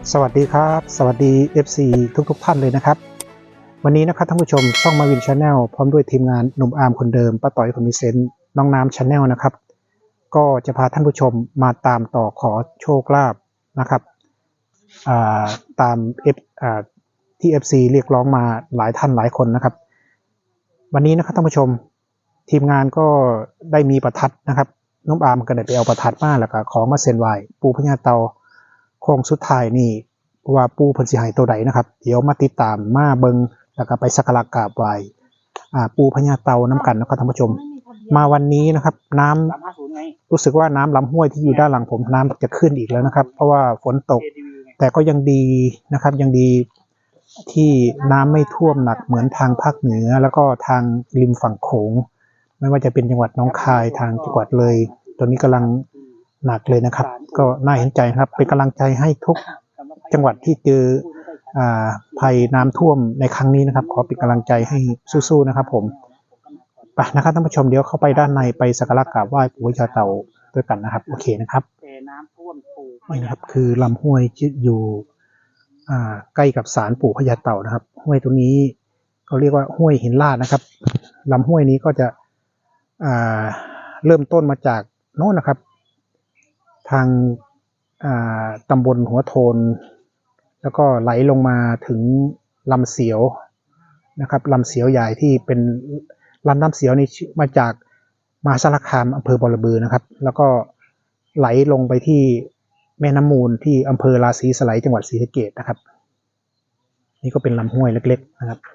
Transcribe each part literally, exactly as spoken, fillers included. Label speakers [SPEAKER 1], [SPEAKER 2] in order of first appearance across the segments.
[SPEAKER 1] สวัสดีครับสวัสดี เอฟ ซี ทุกๆท่านเลยนะครับวันนี้นะครับท่านผู้ชมช่องมาวินชาแนลพร้อมด้วยทีมงานหนุ่มอาร์มคนเดิมป้าต่อยคนมีเซนต์น้องน้ำชาแนลนะครับก็จะพาท่านผู้ชมมาตามต่อขอโชคลาภนะครับตาม F ที่ เอฟ ซี เรียกร้องมาหลายท่านหลายคนนะครับวันนี้นะครับท่านผู้ชมทีมงานก็ได้มีประทัดนะครับน้องอาร์มก็ได้ไปเอาประทัดมาแล้วก็ขอมาเซ็นไหวปูพญาเตาโค้งสุดท้ายนี่ว่าปูเพิ่นสิให้ตัวใดนะครับเดี๋ยวมาติดตามมาเบิงแล้วก็ไปสักการะกราบไหว้อ่าปูพญาเตาน้ำกันนะครับท่านผู้ชมมาวันนี้นะครับน้ำรู้สึกว่าน้ำลำห้วยที่อยู่ด้านหลังผมน้ำจะขึ้นอีกแล้วนะครับเพราะว่าฝนตกแต่ก็ยังดีนะครับยังดีที่น้ำไม่ท่วมหนักเหมือนทางภาคเหนือแล้วก็ทางริมฝั่งโขงไม่ว่าจะเป็นจังหวัดหนองคายทางจังหวัดเลยตอนนี้กำลังหนักเลยนะครับก็น่าเห็นใจครับเป็นกำลังใจให้ทุกจังหวัดที่เจอภัยน้ำท่วมในครั้งนี้นะครับขอเป็นกำลังใจให้สู้ๆนะครับผมไปนะครับท่านผู้ชมเดี๋ยวเข้าไปด้านในไปสักการะกราบไหว้ปู่พญาเต่าด้วยกันนะครับโอเคนะครับนี่นะครับคือลำห้วยที่อยู่ใกล้กับศาลปู่พญาเต่านะครับห้วยตรงนี้เขาเรียกว่าห้วยหินลาดนะครับลำห้วยนี้ก็จะเริ่มต้นมาจากโน่นนะครับทางตำบลหัวโทนแล้วก็ไหลลงมาถึงลำเสียวนะครับลำเสียวใหญ่ที่เป็นลำน้ำเสียวนี่มาจากมหาสารคามอำเภอบอระบือนะครับแล้วก็ไหลลงไปที่แม่น้ำมูลที่อำเภอราศีสไลยจังหวัดศรีสะเกษนะครับนี่ก็เป็นลำห้วยเล็กๆนะครับ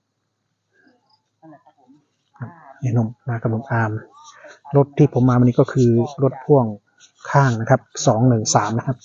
[SPEAKER 1] นี่นมมากับนมอาร์มรถที่ผมมาวันนี้ก็คือรถพ่วงข้างนะครับสองหนึ่งสามนะครับ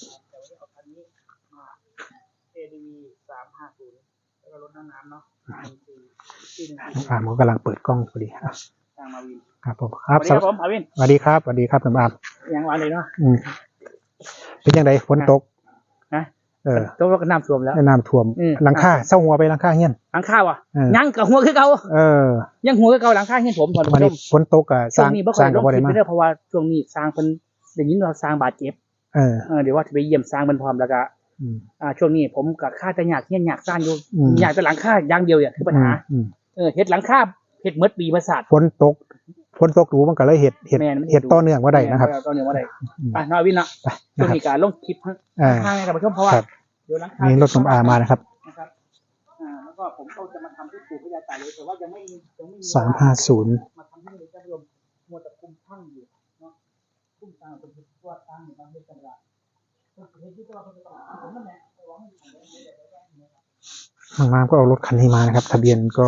[SPEAKER 1] น้องอาร์มก็กำลังเปิดกล้องพอดีครับผมครับสวัสดีครับสวัสดีครับน้องอาร์ม
[SPEAKER 2] ยังวันเลยเนาะ
[SPEAKER 1] เป็นยังไงฝนตก
[SPEAKER 2] นะเออตกแล้วก็น้ำท่วมแล้ว
[SPEAKER 1] น้ำท่วมหลังคาเศร้าหัวไปหลังคาเฮี้ยน
[SPEAKER 2] หลังคาวะยังกับหัวคือเก่าเออยังหัวคือเก่าหลังคาเฮี้ยนผมตอนนี้
[SPEAKER 1] ฝนตกอ่ะสร้าง
[SPEAKER 2] สร้างกับบ่ได้มาเพราะว่าช่วงนี้สร้างเป็นอย่างนี้เราสร้างบาดเจ็บเออเดี๋ยวว่าจะไปเยี่ยมสร้างเป็นพร้อมแล้วก็อ่าช่วงนี้ผมกับค่าจะอยากเฮี้ยนอยากสร้างอยู่อยากแต่หลังคาอย่างเดียวเนี่ยคือปัญหาเออเฮ็ดหลังคาเฮ็ดเมดปีประสาท
[SPEAKER 1] ฝนตกฝนตกดูมันก็เลยเห็ดเห็ดเห็ดต่อเนื่องว่าได้นะครับ
[SPEAKER 2] ต่อเนื่องว่าได้ไปน้อยวินนะช่วงนี้การลงคลิปข้างๆให้ท่านผู้ชมเพราะว่า
[SPEAKER 1] เดี๋ยวหลังคานี่รถสมอามานะครับ
[SPEAKER 2] นะครับอ่าแล้วก็ผมก็จะมาทำที่ปู่พญาเต่าเลยแต่ว่ายังไม่มียังไม่มี
[SPEAKER 1] สามห้าศูนย์
[SPEAKER 2] มาทำที่นี่ท่านผู้ชมมัวแต่คุมช่างอยู่เนาะคุมช่างเป็นตัวตั้งอยู่บางเรื่องต่างๆก็เห็นที่ตัวเขาจะต้องผมนั่นแหละหวังให้ทำได้
[SPEAKER 1] ทางมาก็เอารถคันนี้มานะครับทะเบียนก็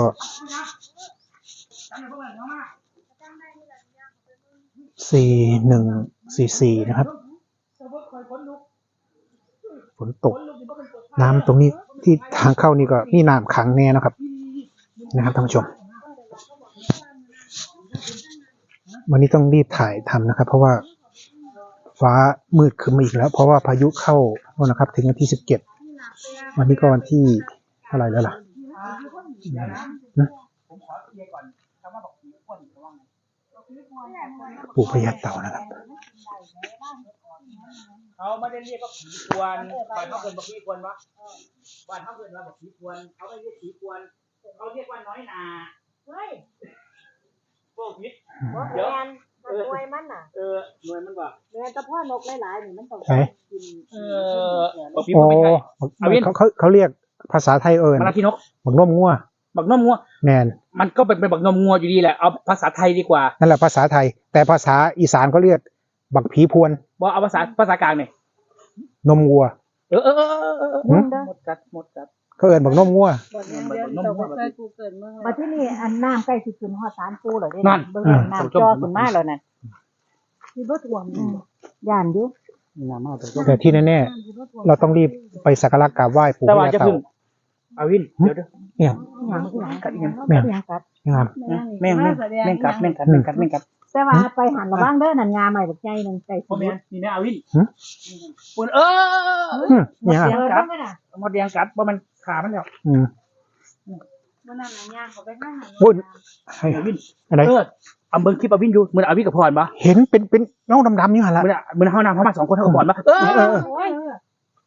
[SPEAKER 1] สี่หนึ่งสี่สี่นะครับฝนตกน้ำตรงนี้ที่ทางเข้านี่ก็นี่น้ำขังแน่นะครับนะครับท่านผู้ชมวันนี้ต้องรีบถ่ายทำนะครับเพราะว่าฟ้ามืดขึ้นมาอีกแล้วเพราะว่าพายุเข้านะครับถึงวันที่สิบเจ็ดวันนี้ก็วันที่อะไรแล้วล่ะปู่พญาเต่านะครับ
[SPEAKER 2] เขาไม่ได้เรียกว่าผีควนบ้านเขาเกินบอกผีควนวะบ้านเขาเกินว่าบอกผีควนเขาไม่เรียกผีควนเขาเรียกว่าน้อยนาเฮ้ยพวกพิษ
[SPEAKER 3] เดี๋ยวหน่วยมันน่ะ
[SPEAKER 2] เออหน่วยมันว่า
[SPEAKER 3] เนื้อตะพ่อนกหลายๆนี่มันต้อง
[SPEAKER 1] กินเออบอกผีมันไม่ใช่เขาเขาเขาเรียกภาษาไทยเอิญ
[SPEAKER 2] มาลาพี่นก
[SPEAKER 1] บักนมงัว
[SPEAKER 2] บักนมงัว
[SPEAKER 1] แมน
[SPEAKER 2] มันก็เป็นเป็นบักนมงัวอยู่ดีแหละเอาภาษาไทยดีกว่า
[SPEAKER 1] นั่นแหละภาษาไทยแต่ภาษาอีสานเขาเรียกบักผีพวน
[SPEAKER 2] บอกเอาภาษาภาษากลางเนี่ย
[SPEAKER 1] นมวัว
[SPEAKER 2] เออเออเออเออหมดกัดหมดกัด
[SPEAKER 1] เขาเอิญบักนมงัว
[SPEAKER 3] มาที่นี่อันน้ำใกล้สิขึ้นฮอดศาลปู่แล้วเด้นั่นน้ำจอขึ้นมาแล้วนั่นที่บ่ท่วมย่านอยู่
[SPEAKER 1] แต่ที่แน่ๆเราต้องรีบไปสักการะกราบไหว้ปู่พญาเต่า
[SPEAKER 2] อาวินเดี๋ยว
[SPEAKER 1] ๆเนี่ย
[SPEAKER 2] กัดยัง
[SPEAKER 1] แม่งกัด
[SPEAKER 2] แม่งแม่งแม่งกัดแม่งกัดแม่งกัดแม่งกัด
[SPEAKER 3] แต่ว่าไปหันระวังเด้อนั่นงาใหม่บักใหญ่นึงใจสิ
[SPEAKER 2] นี่นะอาวินปุ่นเออ
[SPEAKER 1] เนี่ย
[SPEAKER 2] กัดหมดแดงกัดบ่มันขามันแล้ว
[SPEAKER 1] อืม
[SPEAKER 3] บ่นั่นน่ะย่างเขาไปข้างหัน
[SPEAKER 1] ปุ่นให้
[SPEAKER 2] อาวิน
[SPEAKER 1] อะไร
[SPEAKER 2] เออเอาเบิ่งคลิปอาวินอยู่มื้ออาวินกับพรบ่
[SPEAKER 1] เห็นเป็นเป็นเงาดำๆอยู่หั่นล่ะ
[SPEAKER 2] มื้อมื้อเฮานำเฮามาสองคนเฮากับพรบ่เออ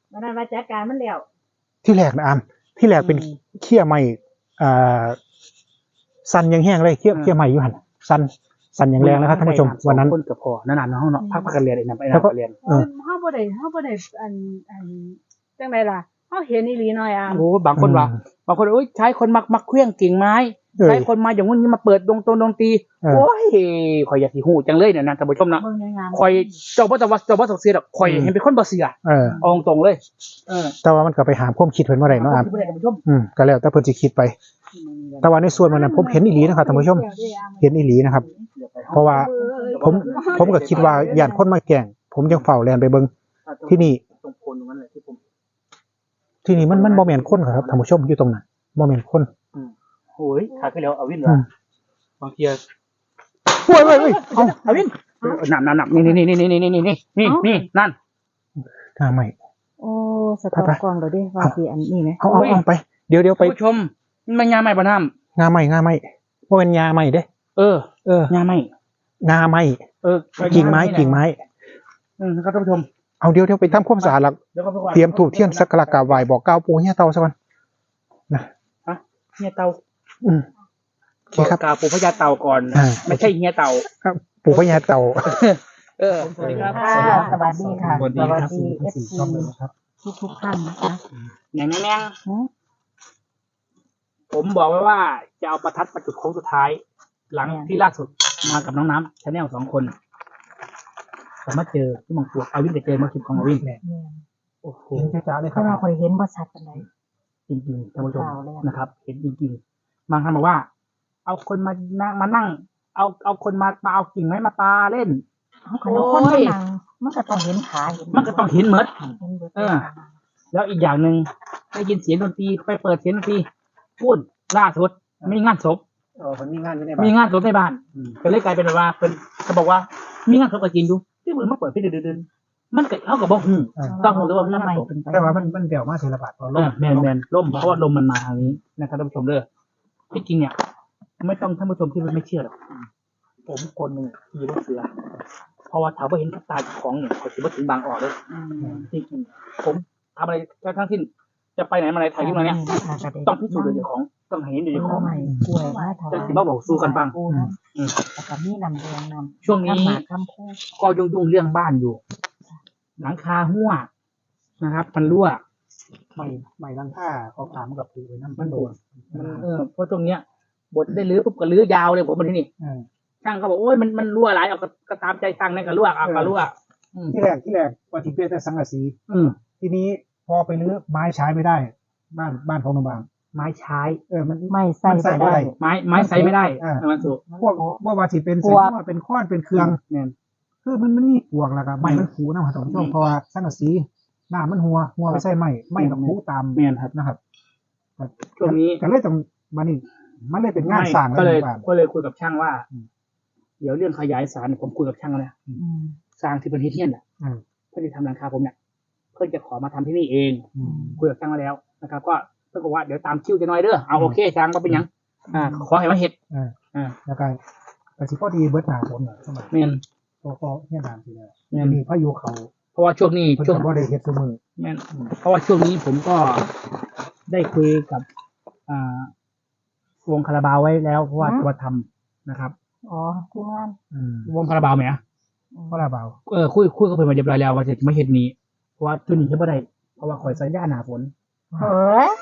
[SPEAKER 3] วันนั้นมาจัดการมันแล้ว
[SPEAKER 1] ที่แรกนะอามที่แรกเป็นเขี้ยไม้อ่าสันยังแห้งเลยเขี้ยเขี้ยไม้อยู่หันสันสันอย่างแรงนะครับท่านผู้ชมวันนั้น
[SPEAKER 2] คนกับพอนานๆเนาะเนาะพักพักกันเรียนไอ้นั่นไอ้นั่นก็เรียน
[SPEAKER 3] เออเฮาบ่ได้เฮาบ่ได้อันอันจังไดล่ะเฮาเห็นอีหลีหน่อยอ่ะ
[SPEAKER 2] โอ้บางคนว่าบางคนโอ้ยใช้คนมักมักเครื่องกิ่งไม้ใช้คนมาอย่างงู้นนี้มาเปิดดงตรงดงตีโอ้ยข่อยอยากสิฮู้จังเลยเนี่ยนะท่านผู้ชมนะ
[SPEAKER 3] เบิ่งในงาน
[SPEAKER 2] ข่อยเจ้าบ่ต้องว่าเจ้าบ่ต้องเสียดอกข่อยเห็นเป็นคนบ่เชื่อ
[SPEAKER 1] เออ
[SPEAKER 2] เอาตรงๆเลยเออ
[SPEAKER 1] แต่ว่ามันก็ไปหามความคิดเพิ่นว่าไรเนาะอาม
[SPEAKER 2] ท่านผู้ชม
[SPEAKER 1] อืมก็แล้วแต่เพิ่นสิคิดไป แต่ว่าในส่วนมันนั้นผมเห็นอีหลีนะครับท่านผู้ชมเห็นอีหลีนะครับ เพราะว่าผมผมก็คิดว่าย่านคนมาแกล้งผมยังเฝ้าแลนไปเบิ่งที่นี่
[SPEAKER 2] ตรงโคนตรงนั้นแหละที่ผม
[SPEAKER 1] ที่นี่มันมันบ่แม่นคนครับท่านผู้ชมอยู่ตรงนั้นบ่แม่นคน
[SPEAKER 2] โอ้ยขาขึ้นแล้วเอาวินเหร
[SPEAKER 1] อื
[SPEAKER 2] อ
[SPEAKER 1] ม
[SPEAKER 2] บางที
[SPEAKER 1] โอ้ยโอ้ยโอ้ยเอ้า
[SPEAKER 2] เอาวินหนักหนักหนักนี่นี่นี่นี่นี่นี่นี่นี่นี่นั่น
[SPEAKER 1] ทำไม
[SPEAKER 3] โอ้สต็อปกล้องเดี๋ยวดิว่าสิอันนี้นะ
[SPEAKER 1] เอาเอาเอาไปเดี๋ยวเดี๋ยวไป
[SPEAKER 2] ท่านผู้ชมมันยาใหม่ปะน้
[SPEAKER 1] งาไหม้งาไหม้บ่แม่นยาไหม้เด้
[SPEAKER 2] ำเออ
[SPEAKER 1] เออย
[SPEAKER 2] าใหม่
[SPEAKER 1] งาไหม้
[SPEAKER 2] เออ
[SPEAKER 1] กิ่งไม้กิ่งไม้
[SPEAKER 2] อืมครับท่านผู้ชม
[SPEAKER 1] เอาเดี๋ยวเดี๋ยวไปทำความสะอาดแล้ว
[SPEAKER 2] เดี๋ยวก็ไปก่อน
[SPEAKER 1] เตรียมธูปเทียนสักการะกราบไหว้บอกกล่าวปู่ย่าเตาซะก่อน
[SPEAKER 2] เฮียเตา
[SPEAKER 1] อืมโอเคครับ
[SPEAKER 2] กล่าวปู่พญาเต่าก่อน
[SPEAKER 1] อ่า
[SPEAKER 2] ไม่ใช่เฮียเต่า
[SPEAKER 1] ปู่พญาเตา
[SPEAKER 2] เออสวัสดีครับ
[SPEAKER 3] ค่ะสวัสดีค่ะ
[SPEAKER 2] สวัสดีครับ
[SPEAKER 3] เอฟซีทุกทุกๆท่านนะคะ
[SPEAKER 2] แหน่งแหน่ง
[SPEAKER 3] หือ
[SPEAKER 2] ผมบอกไว้ว่าจะเอาประทัดประจุดโค้งสุดท้าย หลังที่ล่าสุดมากับน้องน้ำชาแนลสองคนผมมาเจอที่มังกรเอาวินจะเจอมาคลิปของอาวิน
[SPEAKER 3] แม่น
[SPEAKER 2] โอ้โห
[SPEAKER 1] เห็นจ้าๆเลยค
[SPEAKER 3] เพ
[SPEAKER 1] รับ
[SPEAKER 3] ราะว่าคอยเห็นบ่ชัดปานใด
[SPEAKER 2] จริงๆท่านผู้ชม
[SPEAKER 3] ข่าวเลยอะ
[SPEAKER 2] นะครับ เห็นจริงๆบางท่านบอกว่า เอาคนมานั่งมานั่ง เอาเอาคนมามาเอากิ่งไม้มาปาเล่น
[SPEAKER 3] เอาขนมคนมานั่งมันก็ต้องเห็นขาเห็น
[SPEAKER 2] มันก็ต้องเห็นเมด
[SPEAKER 3] เห็นเบิด
[SPEAKER 2] เออ แล้วอีกอย่างหนึ่งได้ยินเสียงดนตรีไปเปิดเสียงดนตรีพูดล่าสุดมีงานศพ
[SPEAKER 1] เออมันมีงานอยู่ใน
[SPEAKER 2] มี
[SPEAKER 1] บ้าน
[SPEAKER 2] งานศพในบ้านก็เลยกลายเป็นแบบว่าเป็นเขาบอกว่า มีงานศพก็จริงดูที่มือมาเปิดพี่เดินๆมันก็เขากับบอกหูต้องหูด้วยว่ามีงานศพ
[SPEAKER 1] แต่ว่ามันมันเดี่ยวมาเทระบาดพอล
[SPEAKER 2] เออแมนแมนล่มเพราะว่าลมมันมาทางนี้นะครับท่านผู้ชมเด้อที่จริงเนี่ย ไม่ต้องท่านผู้ชมที่ไม่เชื่อหรอกผมคนหนึ่งขี่รถเสือเพราะว่าถามว่าเห็นกับตาของเนี่ยเขาถือว่าถึงบางอ่อเลย
[SPEAKER 3] อืม
[SPEAKER 2] จริงๆผมทำอะไรทั้งสิ้นจะไปไหนมาไหนถ่ายคลิปมาเนี่ยต้องพิสูจน์โดยเจ้าของต้องเห็นโดย
[SPEAKER 3] กล้
[SPEAKER 2] เจ้าของ
[SPEAKER 3] ใหม่กล้วยมาถวาย
[SPEAKER 2] จะสิมาบอกสู้กันบ้าง
[SPEAKER 3] ปูนะ
[SPEAKER 2] อืม
[SPEAKER 3] แล้วก็มีนำแดงนำ
[SPEAKER 2] ช่วงนี้
[SPEAKER 3] คำหมากคำพูด
[SPEAKER 2] ก็ยุ่งๆเรื่องบ้านอยู่ หลังคาหัวนะครับ มันรั่ว
[SPEAKER 1] ไม่ไม่ลังค่าเขาถามกับปู่ไว้น้ำ
[SPEAKER 2] มั
[SPEAKER 1] มัน น
[SPEAKER 2] โด
[SPEAKER 1] โด
[SPEAKER 2] น
[SPEAKER 1] น
[SPEAKER 2] มันเออเพราะตรงเนี้ยบทได้รื้อปุ๊บก็รื้อยาวเลยผมมาที่นี่
[SPEAKER 1] เออ
[SPEAKER 2] ช่างเขาบอกโอ้ยมันมันรั่วหลายเอาก็ก็ตามใจช่างนั่นก็รั่วเอาก็รั่วอืม
[SPEAKER 1] ที่แรกที่แรกว่าที่เปียแต่สังกะสี
[SPEAKER 2] อืม
[SPEAKER 1] ทีนี้พอไปรื้อไม้ใช้ไม่ได้ บ้านบ้านของหนุ่มบาง
[SPEAKER 2] ไม้ใช้
[SPEAKER 1] เออมัน
[SPEAKER 3] ไม่ใส่
[SPEAKER 1] มันใส่
[SPEAKER 3] ก็
[SPEAKER 1] ไม่
[SPEAKER 3] ได้
[SPEAKER 1] ได้
[SPEAKER 2] ไม้ไม้ใช้ไม่ได้
[SPEAKER 1] อ่า
[SPEAKER 2] มันสุก
[SPEAKER 1] พวกพวกว่าสิเป็น
[SPEAKER 3] พ
[SPEAKER 1] เสี
[SPEAKER 3] วย ก
[SPEAKER 1] ว่าเป็นค้อนเป็นเครื่อง
[SPEAKER 2] เนี่ย
[SPEAKER 1] คือมันมันมีปวกแล้วก็ไม้มันผูนะท่านผู้ชมเพราะว่าสังกะสีหน้ามันหัวหัวไม่ใช่ไม้ไม้กับผูตาม
[SPEAKER 2] เมียนครับ
[SPEAKER 1] นะครับ
[SPEAKER 2] ช่วงนี้
[SPEAKER 1] ก็เลยต้องมานี่มันเลยเป็นงานสร้าง
[SPEAKER 2] ก็เลย
[SPEAKER 1] หมู่บ้าน
[SPEAKER 2] ก็เลยคุยกับช่างว่า
[SPEAKER 1] อืม
[SPEAKER 2] เดี๋ยวเรื่องขยายสารเนี่ยผมคุยกับช่างแล้วนะ
[SPEAKER 3] อืม
[SPEAKER 2] สร้างที่เป็นที่เทียนอ่ะ
[SPEAKER 1] อืม
[SPEAKER 2] เพื่อที่ทำหลังคาผมเนี่ยเพื่อจะขอมาทำที่นี่เอง
[SPEAKER 1] อืม
[SPEAKER 2] คุยกับช่างมาแล้วนะครับ ก็เพื่อนบอกว่าเดี๋ยวตามคิวจะน้อยเด้อเอาโอเคช่างก็เป็นหยังอ่าขอให้มาเห็ด
[SPEAKER 1] อ่า
[SPEAKER 2] อ่า
[SPEAKER 1] แล้วก็แต่สิพอดีเบิดหนาผมน่ะสมัย
[SPEAKER 2] เมียน
[SPEAKER 1] พอพอเนี่ยนานทีแล้ว
[SPEAKER 2] เมียน
[SPEAKER 1] มีพายุเขา
[SPEAKER 2] เพราะว่าช่วงนี้
[SPEAKER 1] เพิ่น
[SPEAKER 2] ช่วง
[SPEAKER 1] ก็บ่ได้เฮ็ดซุมือ
[SPEAKER 2] แม่นเพราะว่าช่วงนี้ผมก็ได้คุยกับอ่าวงคาราบาวไว้แล้วเพราะว่าจะมาทำนะครับ
[SPEAKER 3] อ๋อทีมงาน
[SPEAKER 1] อืม
[SPEAKER 2] วงคาราบาวไหมอ่ะ
[SPEAKER 1] เพราะละเบา
[SPEAKER 2] เออคุยคุยกับเพิ่นมาเรียบร้อยแล้วว่าจะไม่เห็นนี้เพราะว่าตัวนี้ใช่บ่ได้เพราะว่าข่อยสัญญาหนาฝน
[SPEAKER 3] เฮ้ย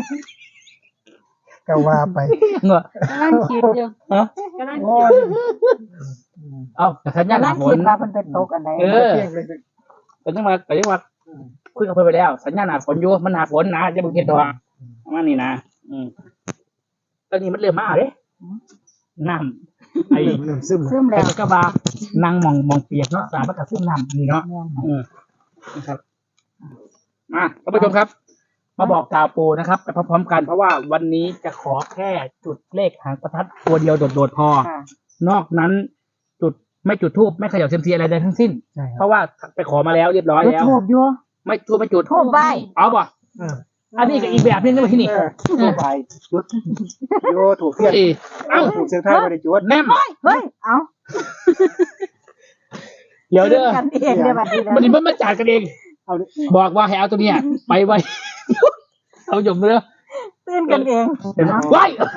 [SPEAKER 1] ก็ว่าไป
[SPEAKER 2] เงอะ
[SPEAKER 3] กำลังคิดอยู่
[SPEAKER 2] ฮะ
[SPEAKER 3] กำลัง
[SPEAKER 1] โอ้
[SPEAKER 3] คิด
[SPEAKER 1] ย
[SPEAKER 2] เอาแต่สัญญาห
[SPEAKER 3] กำลั
[SPEAKER 2] นาง ฝ
[SPEAKER 3] คิ
[SPEAKER 2] น
[SPEAKER 3] ดว่ามันเป็นโต๊ะอันใด
[SPEAKER 2] เออแต่ยังมาแต่ยังว่าคุยกับเพิ่นไปแล้ว สัญญาหนาฝนอยู่มันหนาฝนนะจะบ่เฮ็ดดอกประมาณนี้นะอืมตอนนี้มันเริ่มมาเด้น้ำไอ้
[SPEAKER 1] เริ่มเริ่มซึม
[SPEAKER 3] ซึ
[SPEAKER 1] แล้ว
[SPEAKER 3] ม
[SPEAKER 2] ไอ้
[SPEAKER 3] แล้ว
[SPEAKER 2] กระบะนั่งมองมองเปียกเนาะสารมันก็ซึมน้ำนี่เนาะ
[SPEAKER 3] แม่น
[SPEAKER 2] อืมนะครับมาท่านผู้ชมครับ มาบอกกล่าวปูนะครับไปพร้อมๆกันเพราะว่าวันนี้จะขอแค่จุดเลขหางประทัดตัวเดียวโดดๆพอ
[SPEAKER 3] ค่ะ
[SPEAKER 2] นอกนั้นจุดไม่จุดทูบไม่เขย่าเซยมซีอะไรใดทั้งสิ้น
[SPEAKER 1] ใช่ค
[SPEAKER 2] เพ
[SPEAKER 1] รับ
[SPEAKER 2] ราะว่าไปขอมาแล้วเรียบร้อย
[SPEAKER 3] จุด
[SPEAKER 2] แล้ว
[SPEAKER 3] ทูบอยู่
[SPEAKER 2] ไม่ทูบไม่จุด
[SPEAKER 3] ทูบไหว้
[SPEAKER 2] เอาป่ะ
[SPEAKER 1] เออ
[SPEAKER 2] อันนี้ก็อีกแบบนึงก็ที่นี่
[SPEAKER 1] เออถูกไปจุดโยถูกเทียน
[SPEAKER 2] เอ้ยเอ้า
[SPEAKER 1] ถูกเสียงไทายบ่ได้จุด
[SPEAKER 2] แนม
[SPEAKER 3] เฮ้ยเอา
[SPEAKER 2] เดี๋ยวเด้อ
[SPEAKER 3] กันเองเด้อบัดนี้
[SPEAKER 2] มันนี่มันมาจัดกันเอง
[SPEAKER 1] เอาดิ
[SPEAKER 2] บอกว่าให้เอาตัวเนี้ยไปไว้ เอาหยมเลย
[SPEAKER 3] ตื่นกันเอง
[SPEAKER 2] ไว้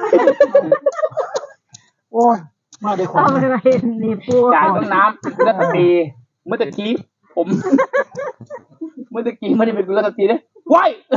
[SPEAKER 1] โอ้ยมาด้วยความ
[SPEAKER 3] ทำอะไรนี่ปู
[SPEAKER 2] จ่ายต้องน้ำกุลสตรีเมื่อตะกี้ผม เมื่อตะกี้ไม่ได้เป็นกุลสตรีเลยไว้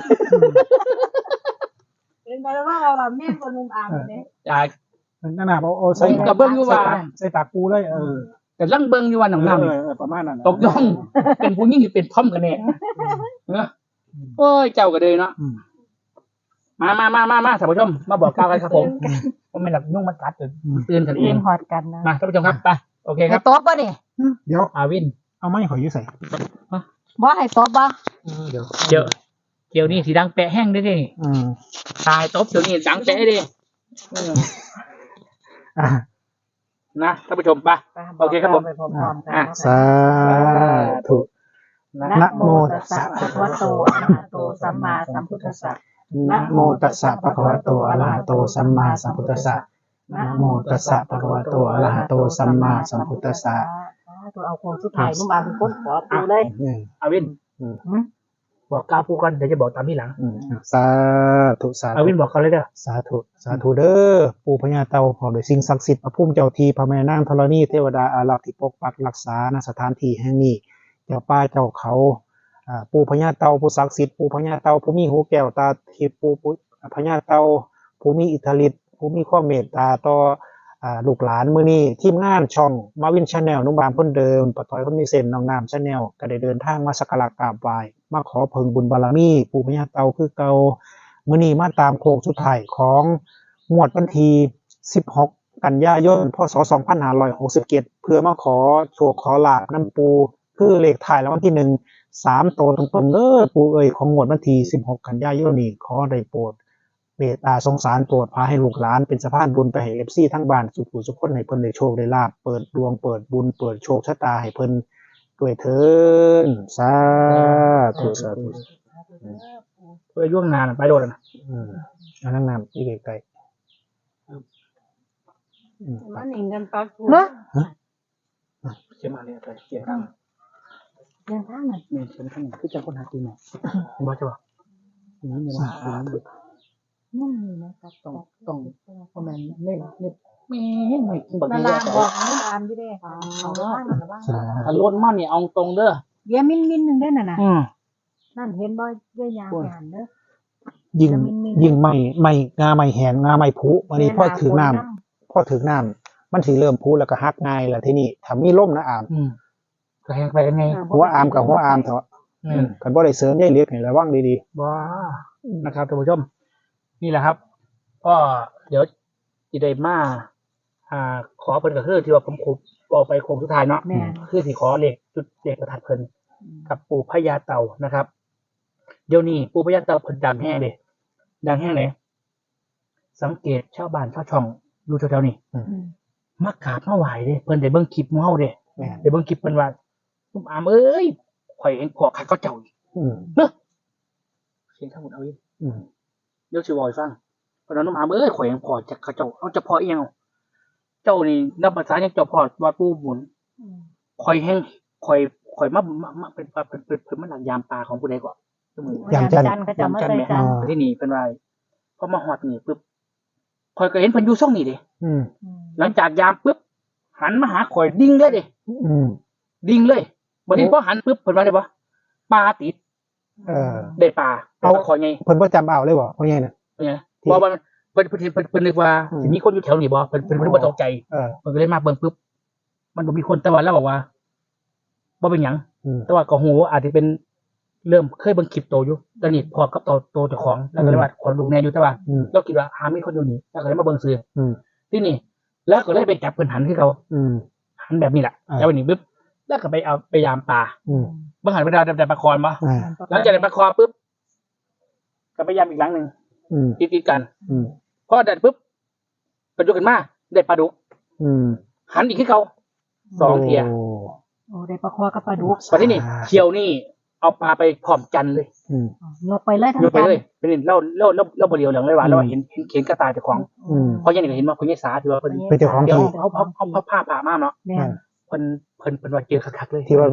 [SPEAKER 3] เป็นไปแล้วว่าเราแม่คนนุ่มอ่างเนี่ย
[SPEAKER 2] จ่าย
[SPEAKER 1] นั่นน่ะเอาเอาใส่
[SPEAKER 2] ผมกับเบิ้งอยู่ว่า
[SPEAKER 1] ใส่ปากปูเลยเออ
[SPEAKER 2] แต่ลังเบิ้งอยู่ว่าหนังน้ำ
[SPEAKER 1] เอ
[SPEAKER 2] นี่
[SPEAKER 1] อเออประมาณนั้น
[SPEAKER 2] ตกย่องเป็นผู้ยิ่งหรือเป็นท่อมกันแน่เนอะโอ้ยเจ้าก็เลยเนาะ
[SPEAKER 1] อืม
[SPEAKER 2] มามามามามาท่านผู้ชมมาบอกกล่าวกันครับผมผมไม่หลับยุ่งมันกัดจนตื่นกันเอ
[SPEAKER 3] เอง
[SPEAKER 2] ง
[SPEAKER 3] หอดกันนะ
[SPEAKER 2] มาท่านผู้ชมครับไปโอเคค
[SPEAKER 3] ให้
[SPEAKER 2] รับ
[SPEAKER 3] ตบป่ะเนี่ย
[SPEAKER 1] เดี๋ยว
[SPEAKER 2] อาวิน
[SPEAKER 1] เอาไม้ขอยอยื้ใส่
[SPEAKER 3] บ่ให้ตบป่ะ
[SPEAKER 1] เดี๋ยว
[SPEAKER 2] เดี๋ยวเดี๋ยวนี้สีดังแปะแห้งได้ดิ
[SPEAKER 1] อืม
[SPEAKER 2] ตายตบเดี๋ยวนี้ดังแปะดิเออ
[SPEAKER 1] อ่ะ
[SPEAKER 2] นะท่านผู้ชมไป โอเคครับผม
[SPEAKER 3] ไปพร้อมๆกัน
[SPEAKER 2] อ่ะ
[SPEAKER 1] สาธุ นะโมตัสสะ
[SPEAKER 3] ภะคะวะโตอะระหะโตสัมมาสัมพุทธัสสะ
[SPEAKER 1] นะโมตัสสะภะคะวะโตอะระหะโตสัมมาสัมพุทธัสสะนะโมตัสสะภะคะวะโตอะระหะโตสัมมาสัมพุทธัสสะ
[SPEAKER 3] ตัวเอาโครงสุดท้ายนุ่มอ่างเป็นคนขอปูเลย
[SPEAKER 1] อืม
[SPEAKER 2] อาวิน
[SPEAKER 1] อืม
[SPEAKER 2] บอกกล่าวผู้ก่อนเดี๋ยวจะบอกตามที่หลัง
[SPEAKER 1] อืมสาธุสา
[SPEAKER 2] อา
[SPEAKER 1] ธุ
[SPEAKER 2] วินบอกเขาเลยเด้อ
[SPEAKER 1] สาธุสาธุเด้อปู่พญาเต่าพร้อมด้วยสิ่งศักดิ์สิทธิ์พระพุ่มเจ้าทีพระแม่นางธรณีเทวดาอารักษ์ที่ปกปักรักษาณสถานที่แห่งนี้เจ้าป่าเจ้าเขาอ่าปู่พญาเต่าผู้ศักดิ์สิทธิ์ปู่พญาเต่าผู้มีหูแก้วตาทิพย์ปู่ปู่พญาเต่าผู้มีอิทธิฤทธิ์ผู้มีความเมตตาต่ออ่าลูกหลานมื้อนี้ทีมงานช่องมาวินชาแนลนุ่มบามคนเดิมปะต้อยคนมีเส้นน้องน้ำชาแนลก็ได้เดินทางมาสักการะกราบไหว้มาขอเพิ่งบุญบารมีปู่พญาเต่าคือเก่า มื้อนี้มาตามโค้งสุดท้ายของงวดวันที่สิบหกกันยายนพศสองพันห้าร้อยหกสิบเจ็ดเพื่อมาขอโชคขอลาบน้ำปูคือเลขถ่ายรางวัลที่หนึ่งสามโตวตรงๆเด้อปูเอ่ยของงวดวันที่สิบหกกันยายนนี้ขอได้โปรดเมตตาสงสารโปรดพาให้ลูกหลานเป็นสะพานบุญไปให้เอฟซีทั้งบ้านสุขสุขคนให้เพิ่นได้โชคได้ลาบเปิดดวงเปิดบุญเปิดโชคชะตาให้เพิ่นด้วยเถิดสาธุสาธุ
[SPEAKER 2] เพื่อยุ่งงานไปโดนนะ
[SPEAKER 1] อืมอันนั้นน้ำอีกไกลๆอืม
[SPEAKER 3] มันอิงกันปักเนาะ
[SPEAKER 2] เชื่อมาเลยไปเกี่ยงกัน
[SPEAKER 3] เดินทางน่ะ
[SPEAKER 2] เมนเชื่อข้างคือจะคนหากินเนี่ยบอสจะบอกอย่างนี้เนี่ยมาอย่างนี้
[SPEAKER 3] นั่นนี่นะครับ
[SPEAKER 2] ต้องต้องเพราะมันไม่ไม่ไม่ไม่กินแบบ
[SPEAKER 3] นา
[SPEAKER 2] นี้
[SPEAKER 3] ราบอกนุ่มอ่างอยู่เด้เอาบ้างเอาบ้าง
[SPEAKER 1] สา
[SPEAKER 2] ถ้าล้นมากเนี่ยเอาตรงเด้อ
[SPEAKER 3] เดี๋ยวมินมินหนึ่งได้น่ะนะ
[SPEAKER 2] อืม
[SPEAKER 3] นั่นเห็นบ่เยอะยางงานเด้อ
[SPEAKER 1] ยิงยิงไม่ไม่งาไม่แหงงาไม่พุวันนี้พ่อถือน้ำพ่อถือน้ำมันถือเริ่มพุแล้วก็ฮักง่ายแล้วทีนี้ถ้ามีล่มนะอาม
[SPEAKER 2] อืมก็แหงไปยังไง
[SPEAKER 1] หัวอามกับหัวอามเถอะ
[SPEAKER 2] อืม
[SPEAKER 1] กันบ่ได้เสริมได้เล็กให้ระวังดี
[SPEAKER 2] ว้านะครับท่านผู้ชม นี่แหละครับ ก็เดี๋ยวจีได้มาอ่า ขอเพิ่นก็คือที่ว่าผมคุบบอกไปโคงสุดท้ายเนาะ
[SPEAKER 3] แม่
[SPEAKER 2] คือที่ขอเหล็กจุดเหล็กประทัดเพิ่นกับปู่พญาเต่านะครับ เดี๋ยวนี้ปู่พญาเต่าเพิ่นดังแห้งเลยดังแห้งไหนสังเกตชาวบ้านชาวช่องอยู่แถวๆนี้
[SPEAKER 1] ๆอืม
[SPEAKER 2] มากราบมาไหว้เด้เพิ่นได้เบิ่งคลิปหมู่เฮาเด้
[SPEAKER 1] แม่น
[SPEAKER 2] ได้เบิ่งคลิปเพิ่นว่าลุงอามเอ้ยข่อยเองพอคักเขาเจ้าอีก
[SPEAKER 1] อืม
[SPEAKER 2] เนาะเสียงทั้งหมดเอาอีก
[SPEAKER 1] อืม
[SPEAKER 2] เดี๋ยวสิบอกให้ฟังเพราะนั้นลุงอามเอ้ยข่อยเองพอจากเขาเจ้าเอาจะพออีหยังเอาเจ้านี่นับภาษายังเจ้าพอว่าปู่บุญข่อยแห้งข่อยข่อยมามามาเป็นเป็นเป็นเป็นเพิ่นมาหลักยามปลาของผู้ใดก่อนซุมื้อ
[SPEAKER 3] ยามจันทร์ก็จะมาใส่จันทร์
[SPEAKER 2] ที่นี่เป็นไรพอมาฮอดนี่ปุ๊บข่อยก็เห็นเพิ่นอยู่ช่องนี่เด้
[SPEAKER 1] อืม
[SPEAKER 2] หลังจากยามปุ๊บหันมาหาข่อยดิ่งเลยเด้
[SPEAKER 1] อืม
[SPEAKER 2] ดิ่งเลยบัดนี้พอหันปุ๊บเพิ่นว่าได้บ่ปลาติด
[SPEAKER 1] เออ
[SPEAKER 2] ได้ปลาเอาข่อยไง
[SPEAKER 1] เพิ่นบ่จำเอาเลยบ่ว่าไงน่ะ
[SPEAKER 2] เป็นไงบ่ว่าเพิ่นเพิ่นเพิ่นเพิ่นนึกว่า
[SPEAKER 1] อืม
[SPEAKER 2] สิมีคนอยู่แถวนี้บ่เพิ่นเพิ่นเพิ่นบ่ตกใจ
[SPEAKER 1] เออ
[SPEAKER 2] เพิ่นก็เลยมาเบิ่งปุ๊บมันบ่มีคนแต่ว่าเราบอกว่าบ่เป็นหยัง
[SPEAKER 1] อืม
[SPEAKER 2] แต่ว่าก็ฮู้ว่าอาจจะเป็นเริ่มเคยเบิ่งคลิปโตอยู่ตอนนี้พอกับโตโตเจ้าของแล้วก็เลยว่าคนลูกแน่อยู่แต่ว่า
[SPEAKER 1] อืม
[SPEAKER 2] เราคิดว่าหามีคนอยู่นี่แล้วก็เลยมาเบิ่งซื้อ
[SPEAKER 1] อืม
[SPEAKER 2] ที่นี่ แล้วก็เลยไปจับเพิ่นหันคือเขา
[SPEAKER 1] อืม
[SPEAKER 2] หันแบบนี้แหละ
[SPEAKER 1] อ่า
[SPEAKER 2] แล้ววันนี้ปุ๊บแล้วก็ไปเอาไปยามปลา
[SPEAKER 1] อืม
[SPEAKER 2] บางหันไปดาวแต่ปลาคอนมา
[SPEAKER 1] อ่า
[SPEAKER 2] หลังจากได้ปลาคอนปุ๊บก็ไปยามอีกหลังหนึ่ง
[SPEAKER 1] อืม
[SPEAKER 2] ติดๆกัน
[SPEAKER 1] อืม
[SPEAKER 2] พอได้ปุ๊บกระจุกกันมาได้ปลาดุก
[SPEAKER 1] อืม
[SPEAKER 2] หันอีกคือเขาสองเทีย
[SPEAKER 1] โ
[SPEAKER 3] โอ้ได้ปลาคอกับปลาดุก
[SPEAKER 2] พอที่นี่เชียวนี่เอาปลาไปพร้อมจันทร์เลย
[SPEAKER 1] อืม
[SPEAKER 3] ยกไปเลยทั้ง
[SPEAKER 2] โยนไป
[SPEAKER 3] จัน
[SPEAKER 2] เลยเป็นเล่าเล่าเล่าเล่าบริเวณเหลืองเลยว่า
[SPEAKER 1] อืม
[SPEAKER 2] เราเห็นเห็นเขียนกระตายเจ้าของ
[SPEAKER 1] อืม
[SPEAKER 2] เพราะอยังนี้ก็เห็นว่าคนยี่สาถือว่าเพิ่น
[SPEAKER 1] เป็นเจ้าของ
[SPEAKER 2] เดี๋ยว
[SPEAKER 1] ที่
[SPEAKER 2] เขาเขาเขาเขาผ้าผ่ามากเนาะ
[SPEAKER 3] แม่น
[SPEAKER 2] เพิ่นเพิ่นเพิ่นว่าเจอคักๆเลย
[SPEAKER 1] ที่ว่า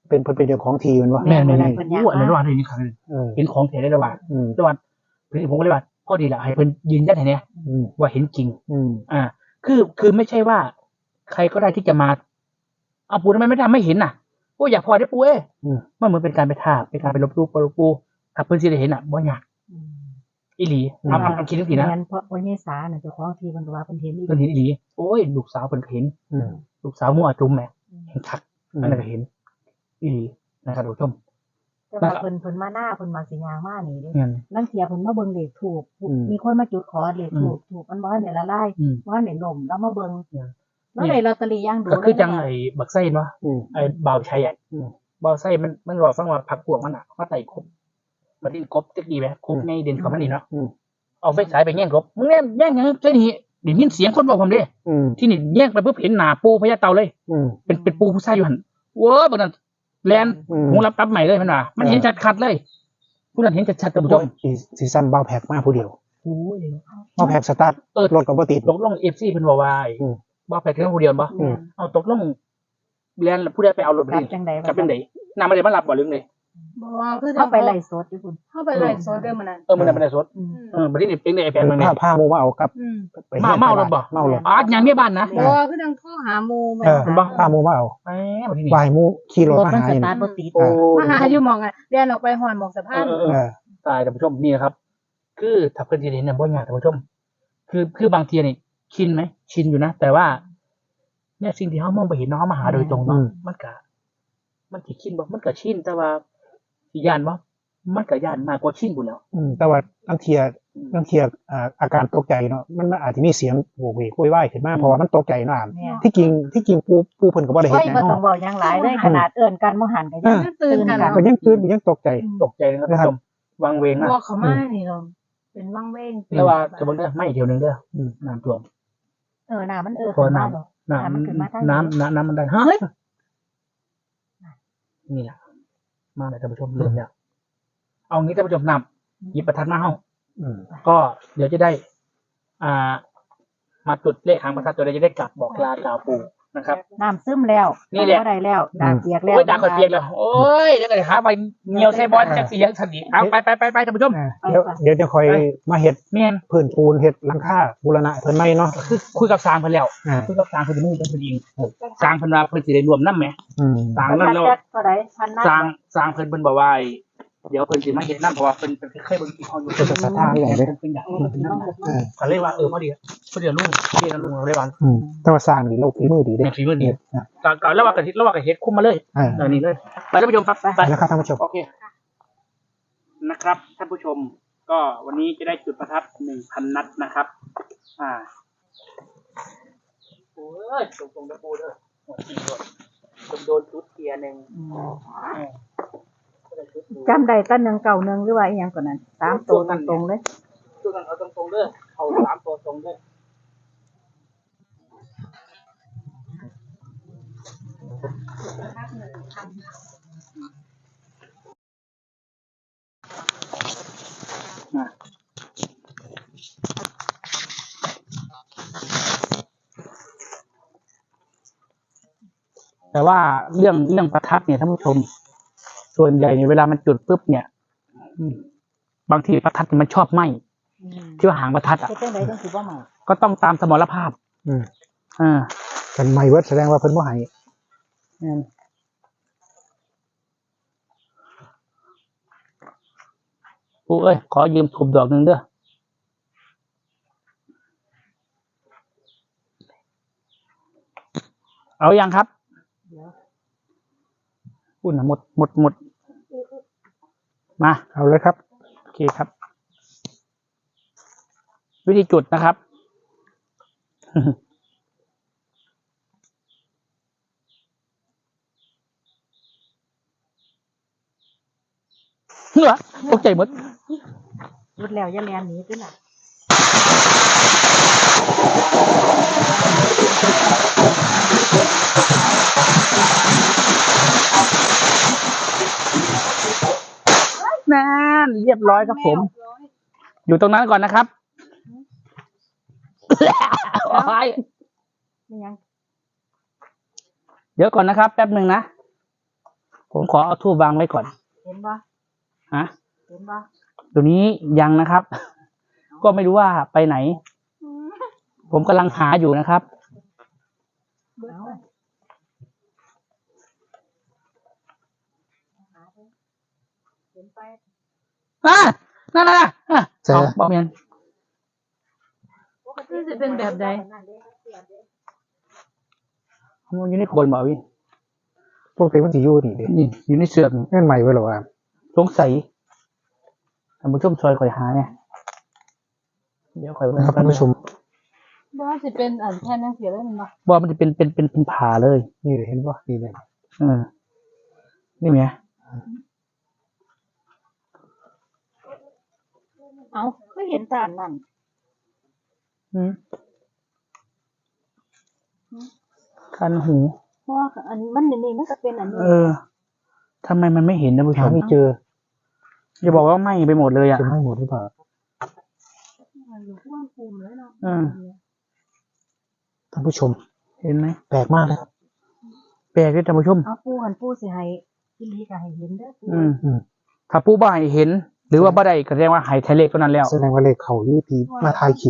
[SPEAKER 1] เป็นเพิ่นเป็นเจ้าของทีมันวะ
[SPEAKER 2] แม่แม่แม่รู้อะไรระหว่างนี้ครั้งนึง
[SPEAKER 1] เออ
[SPEAKER 2] เห็นของแท้ได้ระหว่าง
[SPEAKER 1] อืม
[SPEAKER 2] ระหว่างผมก็เลยว่าพอดีแหละให้เพิ่นยืนยันให้เนี่ย
[SPEAKER 1] อืม
[SPEAKER 2] ว่าเห็นจริง
[SPEAKER 1] อืม
[SPEAKER 2] อ่า คือคือไม่ใช่ว่า ใครก็ได้ที่จะมาเอาปูทำไมไม่ทำไม่เห็นน่ะโอ้อยากพอได้ปูเอ้
[SPEAKER 1] อืม
[SPEAKER 2] มันเหมือนเป็นการไปทาบเป็นการไปลบลูปลบปูถ้าเพิ่นสิได้เห็นอ่ะบ่ยากอีหลีทำทำทำคิดทั้งทีนะ
[SPEAKER 3] แม่นเพราะว่ายี่สาน่ะเจ้าของที่เพิ่นว่าเพิ่นเห็นอีก
[SPEAKER 2] เพิ่นเห็นอีหลีโอ้ยลูกสาวเพิ่นก็เห็น
[SPEAKER 1] อืม
[SPEAKER 2] ลูกสาวมั่วจุ่มแหม่เห็นคัก
[SPEAKER 1] อืม
[SPEAKER 2] อันนั้นก็เห็นอีหลีนะครับท่านผู้ชม
[SPEAKER 3] แต่ว่าเพิ่นเพิ่นมาหน้าเพิ่นมาสิยางมานี่เด้
[SPEAKER 2] เงิน
[SPEAKER 3] นั่นเสียเพิ่นมาเบิ่งเลขถูก
[SPEAKER 1] อืม
[SPEAKER 3] มีคนมาจุดขอเลขถูกถูกมันบ่ทันได้ละลาย
[SPEAKER 2] อืม
[SPEAKER 3] บ่ทันได้ล่มแล้วมาเบิ่ง
[SPEAKER 2] อืม
[SPEAKER 3] แล้วได้ลอตเตอรี่อย่างดู
[SPEAKER 2] ก็คือจังไอ้บักไส้เนาะ
[SPEAKER 1] อืม
[SPEAKER 2] ไอ้บ่าวชัยอ่ะ
[SPEAKER 1] อืม
[SPEAKER 2] บ่าวไส้มันมันรอฟังว่าผักพวกมันอ่ะมาไต่กบมาดิ้นกบจักดีไหมกบในเด่นของมันนี่เนาะ
[SPEAKER 1] อืม
[SPEAKER 2] เอาไฟฉายไปแย่งกบมึงแย่งแย่งหยังใช่นี่ได้ยินเสียงคนบอกผมเด้
[SPEAKER 1] อืม
[SPEAKER 2] ที่นี่แย่งไปปุ๊บเห็นหน้าปูพญาเต่าเลย
[SPEAKER 1] อืม
[SPEAKER 2] เป็นเป็นปูผู้ชายอยู่หั่นเว้อบัดนั้นแลน
[SPEAKER 1] อืม
[SPEAKER 2] หูรับรับใหม่เลยมันว่ามันเห็นชัดคัดเลยผู้นั้นเห็นชัดๆท่านผู้ชม
[SPEAKER 1] สีสีสั้นเบาแพ็กมากผู้เดียว
[SPEAKER 2] โอ้ย
[SPEAKER 1] เบาแพ็กสตาร์ท
[SPEAKER 2] เออ
[SPEAKER 1] รถก็บ่ติด
[SPEAKER 2] ตกลง เอฟ ซี เพิ่นว่าว่า
[SPEAKER 1] อืม
[SPEAKER 2] บ่ไปถึงผู้เดียวบ่
[SPEAKER 1] อืม
[SPEAKER 2] เอาตกลงแลนผู้ใดไปเอารถไป
[SPEAKER 3] กลับ
[SPEAKER 2] ดิ
[SPEAKER 3] จังได๋
[SPEAKER 2] กลับเป็นไดนำมาได้มารับบ่หรือไง
[SPEAKER 4] บ่คือ
[SPEAKER 3] เข้าไปไล่สดอยู่พุ่น
[SPEAKER 4] เข้าไปไล่โซเดอร์มันนั่น
[SPEAKER 2] เออมันได้มาได้สด
[SPEAKER 3] อืม
[SPEAKER 2] เออบัดนี้เป็นได้ไอ้แปลงมัน
[SPEAKER 1] ผ้าผ้าโมมาเอากับ
[SPEAKER 4] อืม
[SPEAKER 1] ไป
[SPEAKER 2] มาเมารถบ่
[SPEAKER 1] เมารถ
[SPEAKER 2] อ๋อยังมีบ้านนะ
[SPEAKER 4] บ่คือจังโทรหาหมู่แม่
[SPEAKER 1] เออ
[SPEAKER 2] เห็นปะ
[SPEAKER 1] ผ้าโมมาเอา
[SPEAKER 2] แหมบัดนี้
[SPEAKER 1] วายโมขี่รถ
[SPEAKER 3] รถ
[SPEAKER 1] มา
[SPEAKER 3] มัน
[SPEAKER 1] หา
[SPEAKER 3] ส
[SPEAKER 1] อยู่
[SPEAKER 3] ตาร์ทบ่ติด
[SPEAKER 2] โอ้
[SPEAKER 4] มาหาอยู่หมองอ่ะเรียนออกไปหอนหมองสะพาน
[SPEAKER 2] เออเออ
[SPEAKER 1] เออ
[SPEAKER 2] ตายท่านผู้ชมนี่นะครับ คือถ้าเพิ่นสิเห็นเนี่ยบ่ยากท่านผู้ชม คือคือบางทีนี่ชินไหมชินอยู่นะแต่ว่า เนี่ยสิ่งที่เฮามองไปเห็นเนาะเฮามาหาโดยตรงเนาะมันก็มันสิชินบ่มันก็ชินแต่ว่าสิย่านบ่มันก็ย่านมากกว่าชินพุ่นแล้ว
[SPEAKER 1] อืมแต่ว่าตั้งเทียตั้งเทียอ่าอาการตกใจเนาะมันอาจจะมีเสียงโวกเวกโวยวายขึ้นมาเพราะว่ามันตกใจเนาะอ่าน
[SPEAKER 3] แม่น
[SPEAKER 1] ที่จริงที่จริงปูปูเพิ่นก็บ่ได้เฮ็
[SPEAKER 3] โอ้
[SPEAKER 1] ด
[SPEAKER 3] ย
[SPEAKER 1] หยัง
[SPEAKER 3] บ่ต้อง
[SPEAKER 1] เนาะ
[SPEAKER 3] เว้าหยังหลายเลยขนาดเอิ้นกันบ่หันก็ยัง
[SPEAKER 4] ตื่นกัน
[SPEAKER 1] ก็ยังตื่นก็ยังตกใจ
[SPEAKER 2] ตกใจนะครับท่านผู้ชมวางเวงมาก
[SPEAKER 4] บ่เขามานี่เราเป็นวังเวง
[SPEAKER 2] แต่ว่าสมมุติเด้อไม่เดียวหนึงเด้อ
[SPEAKER 1] อืม
[SPEAKER 2] น้ำท่วม
[SPEAKER 3] เออน้ามันเออ
[SPEAKER 2] พอ
[SPEAKER 3] ขึ้นมา
[SPEAKER 2] น้ำ
[SPEAKER 3] บ่
[SPEAKER 2] น้
[SPEAKER 3] น้ำมันขึ้นมาทาง
[SPEAKER 2] ำน้ำน้ำน้ำมันได้เฮ้ยนี่แหละมาเลยท่านผู้ชมเริ่มแล้วเอางี้ท่านผู้ชมนำหยิบประทัดมาเฮา
[SPEAKER 1] อืม
[SPEAKER 2] ก็เดี๋ยวจะได้ อ่า มาจุดเลขหางประทัดตัวใดจะได้กลับบอกลากล่าวปู่นะครับ
[SPEAKER 3] น้ำซึมแล้ว
[SPEAKER 2] นี่แหละ
[SPEAKER 3] บ่ได้แล้วดากเปียกแล้ว
[SPEAKER 2] โอ้ยด่าคนเปียกแล้วโอ้ยเดี๋ยวก็หาไปเงียวใส่บอลจักสียังสันนิเอาไปไปไปไปท่านผู้ชม
[SPEAKER 1] อ่าเดี๋ยวเดี๋ยวจะคอยมาเฮ็ด
[SPEAKER 2] เมียน
[SPEAKER 1] พื้นปูนเฮ็ดหลังคาบูรณะเพิ่นใหม่เนาะ
[SPEAKER 2] คือคุยกับสร้างเพิ่นแล้ว
[SPEAKER 1] อ่า
[SPEAKER 2] คุยกับสร้างเพิ่นจะไม่เป็นคนยิงสร้างเพิ่นว่าเพิ่นสิได้รวมน้ำไหม
[SPEAKER 1] อืม
[SPEAKER 2] สร้าง
[SPEAKER 3] พัน
[SPEAKER 2] นั่
[SPEAKER 3] นั
[SPEAKER 2] น
[SPEAKER 3] ด
[SPEAKER 2] แล้ว
[SPEAKER 3] จักเท่าใดพันนัด
[SPEAKER 2] สร้างสร้างเพิ่นเพิ่นบอกว่าเดี๋ยวเพิ่นสิมาเฮ็ดน้ำเพราะว่าเพิ่นเพิ่นเคยเบิ่งที่เขาอยู่
[SPEAKER 1] เพิ่นจะศรัทธาอย่างเด้
[SPEAKER 2] เพิ่นอยากเพิ่นเป็นน้ำนะ
[SPEAKER 1] เออ
[SPEAKER 2] ก็เลยว่าเออพอดีพอดีลุงเรียนลุงเลยว่า
[SPEAKER 1] อืมแต่ว่าสร้างนี่เราฝีมือดีเด้
[SPEAKER 2] แม่ฝีมือดี
[SPEAKER 1] อ่ะ
[SPEAKER 2] ก็ก็แล้วว่าก็เฮ็ดแล้วว่าก็เฮ็ดคุ้มมาเลย
[SPEAKER 1] อ่า
[SPEAKER 2] เออนี่เลยไปท่านผู้ชมครับไป
[SPEAKER 1] ไปแล้วครับท่านผู้ชม
[SPEAKER 2] โอเคนะครับท่านผู้ชม ก็วันนี้จะได้จุดประทัดหนึ่งพันนัดนะครับ อ่าโอ้ยตรงตรงๆนะปูเด้อหัวจริงด้วยผมโดนชุดเทียร์หนึ่ง
[SPEAKER 3] อืม
[SPEAKER 2] เออก็ได้ชุดหนึ่ง
[SPEAKER 3] จำได้ตั้งหนึ่งเก่าหนึ่งหรือว่าอีหยังก่อนนั้นสามตัวตรงๆเลย
[SPEAKER 2] ช่วยกันเอาตรงตรงๆเด้อเอาสามตัวตรงเด้อมา แต่ว่าเรื่องเรื่องประทัดเนี่ยท่านผู้ชม ส่วนใหญ่เนี่ยเวลามันจุดปุ๊บเนี่ยอืมบางทีประทัดมันชอบไหม
[SPEAKER 3] อืม
[SPEAKER 2] ที่ว่าหางประทัดอ่ะ
[SPEAKER 3] เฮ็ดจังไดจังสิบ่มา
[SPEAKER 2] ก็ต้องตามสมรภาพ
[SPEAKER 1] อืม
[SPEAKER 2] อ่า
[SPEAKER 1] กันไม่เวิร์ดแสดงว่าเพิ่นบ่ให้
[SPEAKER 2] อืมปู่เอ้ยขอยืมถูกดอกหนึ่งเด้อเอายังครับ
[SPEAKER 3] เดี๋ยว
[SPEAKER 2] อุ่นนะหมดหมดหมดมา
[SPEAKER 1] เอาเลยครับ
[SPEAKER 2] โอเคครับ วิธีจุดนะครับ เหรอตกใจหมด
[SPEAKER 3] หยุดแล้วอย่าแล่นหนีติล่ะ
[SPEAKER 2] นั่นเรียบร้อยครับผม อยู่ตรงนั้นก่อนนะครับโอ้ย
[SPEAKER 3] นี่ยัง
[SPEAKER 2] เดี๋ยวก่อนนะครับ แป๊บหนึ่งนะผมขอเอาทูบวางไว้ก่อน
[SPEAKER 3] เห็นบ่
[SPEAKER 2] ฮะ
[SPEAKER 3] เห็นบ่
[SPEAKER 2] ตัวนี้ยังนะครับ ก็ไม่รู้ว่าไปไหน ผมกำลังหาอยู่นะครับ
[SPEAKER 3] เอาเห็นไป
[SPEAKER 2] อ่านั่นน่ะอ่ะเอาบอกเมียน
[SPEAKER 4] นี่จะเป็นแบบใด
[SPEAKER 2] มันอยู่ในโคนบ่พี่
[SPEAKER 1] พวกเต็มมันสิอยู่นี่เด้
[SPEAKER 2] นี่อยู่ในเสือกนี่
[SPEAKER 1] แม่นใหม่ไว้หรอวะ
[SPEAKER 2] สงสัยท่านผู้ชมซอยคอยหาเนี่ยเดี๋ยวคอย
[SPEAKER 1] นะครับท่านผู้ชม
[SPEAKER 4] บ่สิเป็นอันแทนจังซี่เลยแมันบ่
[SPEAKER 2] ว่ามันจะเป็นเป็นเป็นเป็นผ่าเลย
[SPEAKER 1] นี่เห็นป่ะนี่เลย
[SPEAKER 2] เออนี่ไง
[SPEAKER 3] เอาก็เห็นตาอันนั่น
[SPEAKER 2] อืมคันหู
[SPEAKER 3] เพราะว่าอันมันนี่มันก็เป็นอันนี้
[SPEAKER 2] เออทำไมมันไม่เห็นนะผู้ช
[SPEAKER 1] หาม ไม่เจอ
[SPEAKER 2] อย่าบอกว่าไหม้ไปหมดเลยอ่ะ
[SPEAKER 1] จะให้หมดหรือเปล่า
[SPEAKER 3] อยู่ข้างภูมิเลยเนาะ
[SPEAKER 2] อืม
[SPEAKER 1] ท่านผู้ชม
[SPEAKER 2] เห็นไหม
[SPEAKER 1] แปลกมากเลยครับ
[SPEAKER 2] แปลกด้วยท่านผู้ชม
[SPEAKER 3] เอาปูหันปูสิให้อีหลีก็ให้เห็นเด้อปู
[SPEAKER 2] อืม
[SPEAKER 1] อืม
[SPEAKER 2] ถ้าผู้บ่ายเห็น หรือว่าบ่ได้ก็แสดงว่าหายไทยเลขก็นั้นแล้ว
[SPEAKER 1] แสดงว่าเลขเขาอยู่ที่มาถ่ายคลิป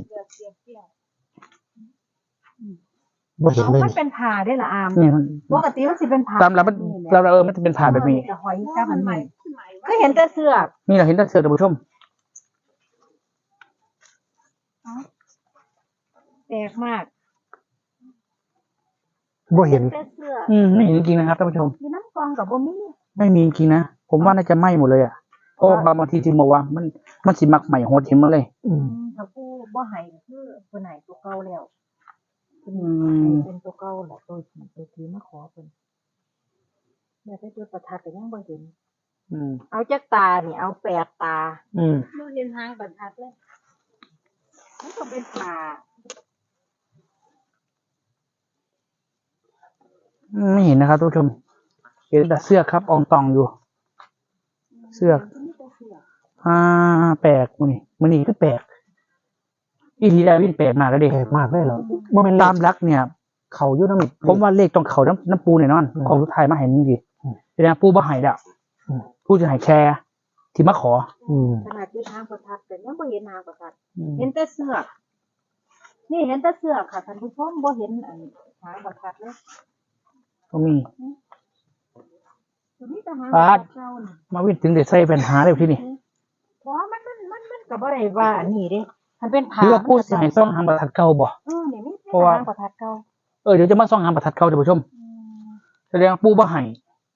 [SPEAKER 1] บ่เห็น
[SPEAKER 3] เอา
[SPEAKER 1] เลย
[SPEAKER 3] มัน
[SPEAKER 1] นี่
[SPEAKER 3] เป็นผ่าได้อละอาม
[SPEAKER 2] นี่
[SPEAKER 3] ปกติมันสิเป็นผ่า
[SPEAKER 2] ตามเรามันเราเออมันจะเป็นผ่าแบบนี้
[SPEAKER 3] จะหอยกับอันใหม่ก็เห็นแต่เสือก
[SPEAKER 2] นี่เราเห็นแต่เสือกท่านผู้ชม
[SPEAKER 3] แปลกมาก
[SPEAKER 1] บ่เห็น
[SPEAKER 3] แต่เสือก
[SPEAKER 2] อืมไม่เห็นจริงๆนะครับท่านผู้ชม
[SPEAKER 3] อยู่น้ำกองกับบ่มี
[SPEAKER 2] ไม่มีจริงๆนะผมว่าน่าจะไหม้หมดเลยอ่ะเพราะบางบางทีที่บอกว่า มันมันสิมักใหม่โหดเห็นมาเลย
[SPEAKER 1] อืม
[SPEAKER 3] ถ้าปูบ่ให้คือเพิ่นให้ตัวเก่าแล้ว
[SPEAKER 2] อื
[SPEAKER 3] ให้
[SPEAKER 2] ม
[SPEAKER 3] เป็นตัวเก่าแหละตัวที่ตัวที่มาขอเพิ่นแม่ไปจุดประทัดก็ยังบ่เห็น
[SPEAKER 2] อืม
[SPEAKER 3] เอาจักตานี่เอาแปดตา
[SPEAKER 2] อืม
[SPEAKER 4] บ่เห็นหางบรรทัดเลย
[SPEAKER 3] มันก็เป็นผ่า
[SPEAKER 2] ไม่เห็นนะครับท่านผู้ชม เห็นแต่เสื้อกครับอองตองอยู่ เสื้อก
[SPEAKER 3] มีแต่เสือก
[SPEAKER 2] อ่าแปลกมันนี่มันนี่ก็แปลกอีทีดาวินแปลกมากแล้วเด็ก
[SPEAKER 1] แปลกมากเลยเหรอบ่แม่นเล
[SPEAKER 2] ตาม
[SPEAKER 1] ข
[SPEAKER 2] รักเนี่ย
[SPEAKER 1] เขาอยู่น้ำ
[SPEAKER 2] ผมว่าเลขตรงเขาน้ำน้ำปูแน่นอน
[SPEAKER 1] อืม
[SPEAKER 2] ของสุดท้ายมาให้มึงดี
[SPEAKER 1] อืม
[SPEAKER 2] แสดงว่าปูบ่ให้แล้ว
[SPEAKER 1] อืม
[SPEAKER 2] ปูจะให้แชร์ ที่มาขอ
[SPEAKER 1] อืม
[SPEAKER 3] ขนาดจุดทางประทัดแต่ยังบ่เห็นทางประทัด
[SPEAKER 2] อืม
[SPEAKER 3] เห็นแต่เสือก นี่เห็นแต่เสือกค่ะท่านผู้ชมบ่เห็นอันหางประทัดเลย
[SPEAKER 2] ก็มี
[SPEAKER 3] ตัวนี้แต่หาง
[SPEAKER 2] ปาด
[SPEAKER 3] เจ้าน่ะ
[SPEAKER 2] มาวิ่งถึงเด็ดใส่เป็นหาเลยที่นี่
[SPEAKER 3] เพราะว่ามันมันมันมันก็บ่ได้ว่าอันนี้เด้มันเป็น
[SPEAKER 2] ห
[SPEAKER 3] ผ่า
[SPEAKER 2] รือว่าปูสิให้ซ่องหางประทัดเก่าบ่
[SPEAKER 3] เออนี่มี
[SPEAKER 2] เพราะว่า
[SPEAKER 3] หางประทัดเก่า
[SPEAKER 2] เออเดี๋ยวจะมาซ่องหางประทัดเก่าท่านผู้ชม
[SPEAKER 3] อืม
[SPEAKER 2] แสดงว่าปูบ่ให้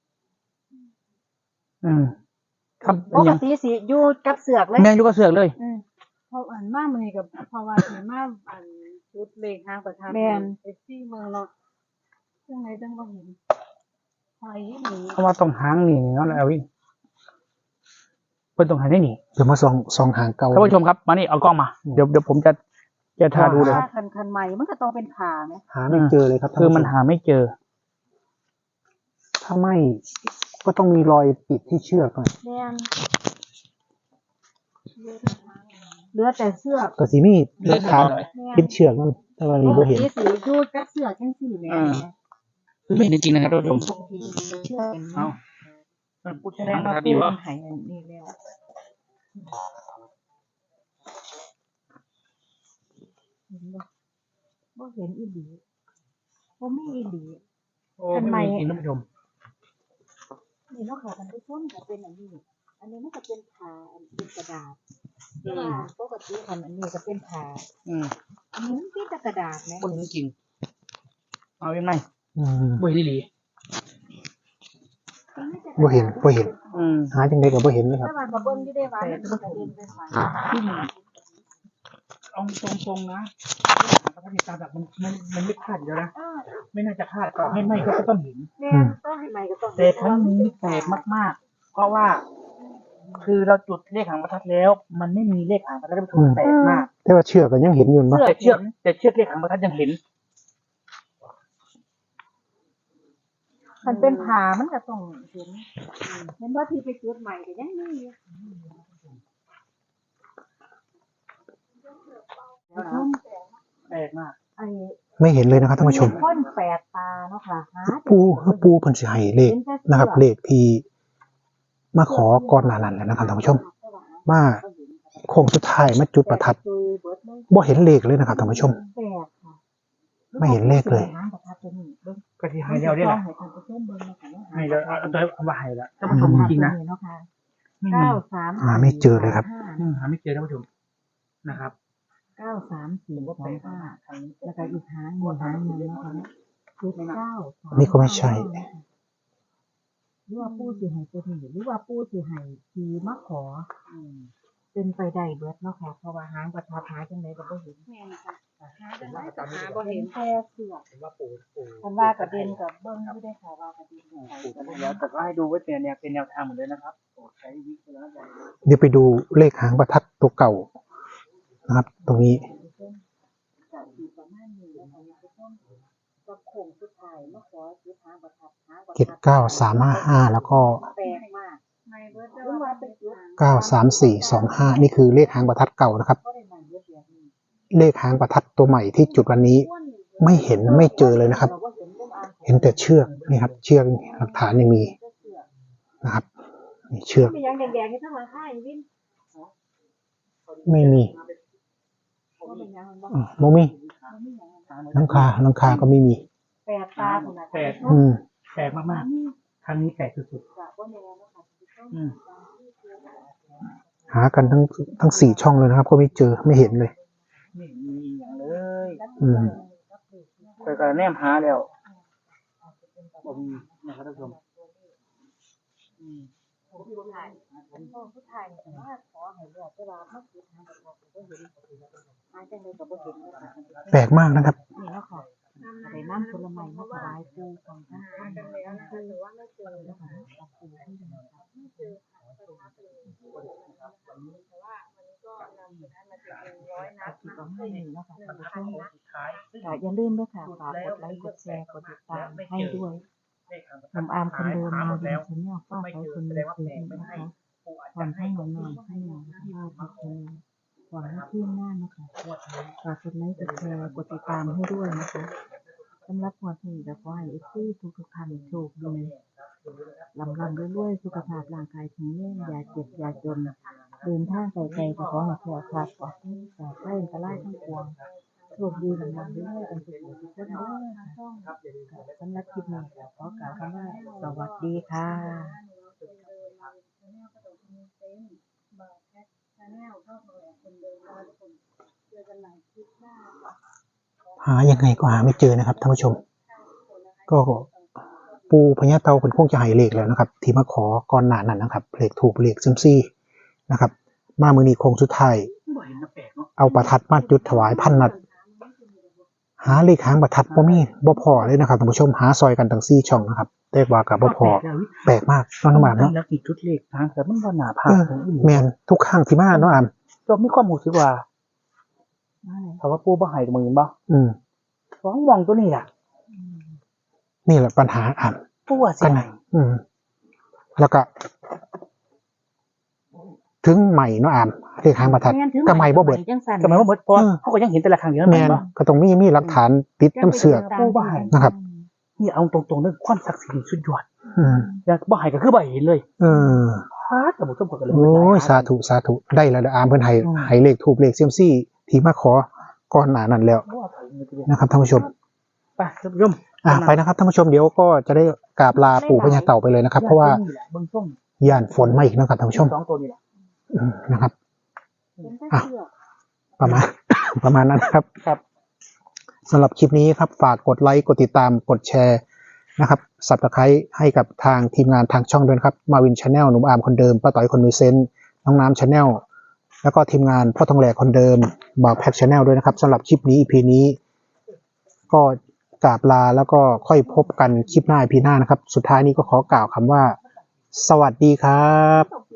[SPEAKER 2] อืมครับ
[SPEAKER 3] ปกติสิอยู่กับเสือกเลย
[SPEAKER 2] แม่งอยู่ก็เสือกเลย
[SPEAKER 3] อืม
[SPEAKER 4] เพราะอันมามื้อนี้ก็เพราะว่าสิมาอันจุดเลขหางประทัด
[SPEAKER 3] แม่น
[SPEAKER 4] เอฟซีเมืองเนาะจังไดจังบ่เห็นหอยอีหลี
[SPEAKER 2] เพราะว่าต้องหางนี่เนาะแล้ววิ่งเพิ่นต้องหาได้หนี
[SPEAKER 1] เดี๋ยวมาส่องส่องหางเก่า
[SPEAKER 2] ท่านผู้ชมครับมานี่เอากล้องมา
[SPEAKER 1] อืม
[SPEAKER 2] เดี๋ยวเดี๋ยวผมจะจะทาดูเลย
[SPEAKER 3] ถ้าคันคันใหม่มันก็ต้องเป็นผ่าไหม
[SPEAKER 1] หาไม่เจอเลยครับท่าน
[SPEAKER 2] คือ
[SPEAKER 1] ผู้ช
[SPEAKER 2] มันหาไม่เจอ
[SPEAKER 1] ถ้าไม่ก็ต้องมีรอยปิดที่เชือกหน่อย
[SPEAKER 3] แม่นเหลือแต่เสือก
[SPEAKER 1] ก็สิมีหลักฐาน
[SPEAKER 3] แม่น
[SPEAKER 1] ปิดเชือกนั่นแต่ว่านี่บ่เห็น
[SPEAKER 3] ปกติสิอยู่กับเสือกจังซี่แหม่
[SPEAKER 2] อ่า ไม่จริงๆนะครับท่านผู้ชม
[SPEAKER 3] บางทีเชือกเป็น
[SPEAKER 2] เอาพูด
[SPEAKER 3] แส
[SPEAKER 2] แส
[SPEAKER 3] ด
[SPEAKER 2] ด
[SPEAKER 3] ง
[SPEAKER 2] ง
[SPEAKER 3] ว่า
[SPEAKER 2] ว่า
[SPEAKER 3] ปู
[SPEAKER 2] ดีวะ
[SPEAKER 3] มันใหายอันนี้แล้วเห็นบ่บ่เห็นอีหลีบ่มีอีหลี
[SPEAKER 2] โอ้ไม่มีจริงท่านผู้ชม
[SPEAKER 3] นี่เนาะค่ะท่านผู้ชมก็เป็นอันนี้ อันนี้มันก็เป็นผ่าอันเป็นกระดาษแต่ว่าปกติคันอันนี้ก็เป็นผ่า
[SPEAKER 2] อืม
[SPEAKER 3] อันนี้มันเป็นแต่กระดาษแหม
[SPEAKER 2] บ่เห็นจริงเอายังไง
[SPEAKER 1] อืม
[SPEAKER 2] บ่เห็นอีหลี
[SPEAKER 1] บ่เห็นบ่เห็น
[SPEAKER 2] อืม
[SPEAKER 1] หาจังไดก็บ่เห็นเลยครับ
[SPEAKER 3] แต่ว่าก็เบิ่งอยู่ได้ว่ามันก็เป็นเป็นผ่า
[SPEAKER 2] เอาตรงๆนะปกติตามแบบมันมันมันไม่พลาดอยู่แล้วนะ
[SPEAKER 3] เออ
[SPEAKER 2] ไม่น่าจะพลาดต่อให้ไม่ก็ต้องเห็น
[SPEAKER 3] แม่นต้องให้ใหม่ก็ต้อง
[SPEAKER 2] แต่ครั้งนี้แปลกมากๆ เพราะว่า คือเราจุดเลขหางประทัดแล้ว มันไม่มีเลขหางประทัดท่านผู้ชมแปลกมาก
[SPEAKER 1] แต่ว่าเชือกก็ยังเห็นอยู่เนาะ
[SPEAKER 2] แต่เชือกแต่เชือกเลขหางประทัดยังเห็น
[SPEAKER 3] มันเป็นผ่ามันก็ต้องเห็นเห็นว่าที่ไปจุดใหม่ก็ยังมีอยู่
[SPEAKER 2] แปลกมาก
[SPEAKER 3] ไอ้
[SPEAKER 1] ไม่เห็นเลยนะครับท่านผู้ชม
[SPEAKER 3] พ่นแปดตาเนาะค่ะหา
[SPEAKER 1] ปูปูเพิ่นสิให้เลขนะครับ เลขที่มาขอก่อนหน้านั้นแล้วนะครับท่านผู้ชมมาโค้งสุดท้ายมาจุดประทัดบ่เห็นเลขเลยนะครับท่านผู้ชม
[SPEAKER 3] แปดค่ะ
[SPEAKER 1] ไม่เห็นเลขเลย
[SPEAKER 3] หางประทัดตัวนี้เบิ่ง
[SPEAKER 2] ก็ที่ให้เราได้แหละ
[SPEAKER 3] ให้ท่านผู้ชมเบิ่งนะคะเนาะ
[SPEAKER 2] ให้เราเอาตัวเอามาให้ละท่านผู้ชมจริงๆนะ
[SPEAKER 3] เนาะค่ะ
[SPEAKER 2] ไม่มี
[SPEAKER 3] เก้าสาม
[SPEAKER 1] หาไม่เจอเลยครับ
[SPEAKER 2] อืมหาไม่เจอท่านผู้ชมนะครับ
[SPEAKER 3] เก้าสามสี่สองห้าแล้วก็อีกหางหนึ่งหางหนึ่งนะคะคือเก้าสาม
[SPEAKER 1] นี่ก็ไม่ใช่
[SPEAKER 3] หรือว่าผู้สิให้ตัวนี้หรือว่าผู้สิให้ทีมาขออืมเป็นไปได้เบิดเนาะค่ะเพราะว่าหางประทัดหาจังไดก็บ่เห็น
[SPEAKER 4] แม่นค่ะหาจังได๋
[SPEAKER 3] หา
[SPEAKER 4] หา
[SPEAKER 3] บ่
[SPEAKER 4] บ่
[SPEAKER 3] เห็
[SPEAKER 4] เห็
[SPEAKER 3] น
[SPEAKER 4] น
[SPEAKER 3] แค่เสือก
[SPEAKER 2] เห็นว่าปู่ปู่
[SPEAKER 3] คันว่ากระเด็นกับเบิ่งอยู่ได้ค่ะว่ากระเด็นกับ
[SPEAKER 2] ปู่ปู่แล้วแต่ก็ให้ดูไว้เป็นแนวเป็นแนวทางเหมือนเดิมนะครับโปรดใช้วิจารณญาณ
[SPEAKER 1] เดี๋ยวไปดูเลขหางประทัดตัวเก่านะครับ ตรงนี้
[SPEAKER 3] จะอยู่ประมาณนี้แล้วค่ะทุกคนก็คงสุดท้ายมาขอจุดหางประทัดหางประทัด
[SPEAKER 1] เจ็ดเก้าสามห้าห้าแล้วก็
[SPEAKER 3] แปลกมาก
[SPEAKER 4] ไม่เบิด
[SPEAKER 3] หรือว่าเป็นจุด
[SPEAKER 1] เก้าสามสี่สองห้านี่คือเลขหางประทัดเก่านะครับ
[SPEAKER 3] ก็ได้มาเยอะแยะนี่
[SPEAKER 1] เลขหางประทัดตัวใหม่ที่จุดวันนี้ ไม่เห็นไม่เจอเลยนะครับ
[SPEAKER 3] เราก็เห็นรูปอ่าน
[SPEAKER 1] เห็นแต่เชือกนี่ครับ เชือกหลักฐานยังมีนะครับนี่เชือก
[SPEAKER 3] มีอย่างแดงๆที่ทั้งหลังค่ายวิน
[SPEAKER 1] ไม่มี
[SPEAKER 3] ว่าเป็นอย่างนั้นบ่
[SPEAKER 1] อืมโมมีหลังคาหลังคาก็ไม่มี
[SPEAKER 3] แปดตาขนาด
[SPEAKER 2] แปด
[SPEAKER 1] อืม
[SPEAKER 2] แปลกมากๆครั้งนี้แปลกสุด
[SPEAKER 3] จะว่าแนวนะคะ
[SPEAKER 2] ๆอืม
[SPEAKER 1] หากันทั้งทั้งสี่ช่องเลยนะครับ ก็ไม่เจอไม่เห็นเลย
[SPEAKER 2] ไม่มีอย่างเลย
[SPEAKER 1] อืม
[SPEAKER 2] เคยการแนมหาแล้วบ่มีนะครับท่านผู้ชมอืม
[SPEAKER 3] ผู้ชายผู้ชายแต่ว่าขอให้เลือกเวลามาคิดหาประทัดก็เห็นหาจังไดก็บ่เห็นนะคะ
[SPEAKER 1] แปลกมากนะครับ
[SPEAKER 3] นี่เนาะค่ะไปน้ำผลไม้มาถวายปู่ของท่านท่านท่านคือว่าไม่เจอนะคะเอาปู่ที่ไหนครับไม่เจอค่ะประทับเลยแต่ว่าวันนี้ก็นำประทัดมาติดหนึ่งร้อยนัดนะไม่หนึ่งเนาะค่ะท่านผู้ชม
[SPEAKER 2] สุดท้ายซึ่ง
[SPEAKER 3] ค่ะอย่าลืมด้วยค่ะฝากกดไลค์กดแชร์กดติดตามให้ด้วยหนุ่มอาร์มคนเดิมมาดีชแนลป้าไปคนมีเสียงนะคะก่อนให้หนุ่มหน่อยให้หน่อยป้าไปคนหวังให้ที่หน้านะคะฝากกดไลค์กดแชร์กดติดตามให้ด้วยนะคะสำหรับหัวที่จะขอให้เอฟซีทุกทุกท่านโชคดีลำลำด้วยด้วยสุขภาพร่างกายแข็งแรงอย่าเจ็บอย่าจนเดินทางไกลๆก็ขอให้แข็งขาดปลอดภัยจากไข้อันตรายทั้งปวงโชคดีลำลำด้วยด้วยกันทุกคนทุกคนเด้อค่ะสำหรับคลิปนี้ก็ขอกล่าวคำว่าสวัสดีค่ะ
[SPEAKER 1] หายังไงก็หาไม่เจอนะครับท่านผู้ชม ก็ปูพญาเตาเป็นคงจะให้เลขแล้วนะครับ ที่มาขอก่อนหน้านั้นนะครับเลขถูกเลขซึมซี่นะครับ มามือนี้โคงสุดท้าย
[SPEAKER 2] บ่เห็นนะแปลกเนาะ
[SPEAKER 1] เอาประทัดมาจุดถวายพันนัด หาเลขหางประทัดบ่มีบ่พอเลยนะครับท่านผู้ชมหาซอยกันทั้งสี่ช่องนะครับแต่ว่ากับบ่พอแปลกมากน้องน้ำหมากเนาะ
[SPEAKER 2] แล้วกี่จุดเลขทางแต่มันบ่หนาผา
[SPEAKER 1] เออแมนทุกข้างที่มาเนาะอาม
[SPEAKER 2] ก็มีความรู้สึกว่าถ้าว่าปู่บ่ให้มือบ่
[SPEAKER 1] อืม
[SPEAKER 2] ฟ้องมองตัวนี้ล่ะ
[SPEAKER 1] นี่แหละปัญหาอาม
[SPEAKER 2] ปู่ว่าสิ
[SPEAKER 1] กันไหนอืม แล้วก็ ถึงใหม่เนาะอามเลขหางประทัดก็ใหม่บ่เบิด
[SPEAKER 2] ทำไมว่าหมดเพราะเขาก็ยังเห็นแต่ละครั้งอยู่นั่น
[SPEAKER 1] แม
[SPEAKER 2] แม่
[SPEAKER 1] น
[SPEAKER 2] นบ่
[SPEAKER 1] ก็ต้องมีมีหลักฐานติดน้ำเสือก นะครับ
[SPEAKER 2] นี่เอาตรงๆเรื่องความศักดิ์สิทธิ์สุดยอด
[SPEAKER 1] อืม
[SPEAKER 2] อย่างบ่ให้ก็คือบ่เห็นเลย
[SPEAKER 1] เออ
[SPEAKER 2] พาดแต่บ่สมควรกันเลย
[SPEAKER 1] โอ้ยสาธุสาธุได้แล้วเด้ออามเพิ่นให้ให้เลขถูกเลขเซียมซี่ที่มาขอก่อนหน้านั้นแล้วนะครับท่านผู้ชม
[SPEAKER 2] ไปท่านผู้ชม
[SPEAKER 1] อ่ะไปนะครับท่านผู้ชมเดี๋ยวก็จะได้กราบลาปู่พญาเต่าไปเลยนะครับ เพราะว่า
[SPEAKER 2] เบิ่งส้ม
[SPEAKER 1] ย่านฝนมาอีกนะครับท่านผู้ชม
[SPEAKER 2] สองตัวนี่แหละ
[SPEAKER 1] อืมนะครับ ประมาณ ประมาณนั้นนะครับ
[SPEAKER 2] ครับ
[SPEAKER 1] สำหรับคลิปนี้ครับฝากกดไลค์กดติดตามกดแชร์นะครับสับตะไคร้ให้กับทางทีมงานทางช่องด้วยนะครับมาวินชาแนลหนุ่มอาร์มคนเดิมป้าต่อยคนมีเซนต์น้องน้ำชาแนลแล้วก็ทีมงานพ่อทองแหลกคนเดิมบ่าวแพ็กชาแนลด้วยนะครับสำหรับคลิปนี้ อี พี นี้ ก็กราบลาแล้วก็ค่อยพบกันคลิปหน้า อี พี หน้านะครับสุดท้ายนี้ก็ขอกล่าวคำว่า สวัสดีครับ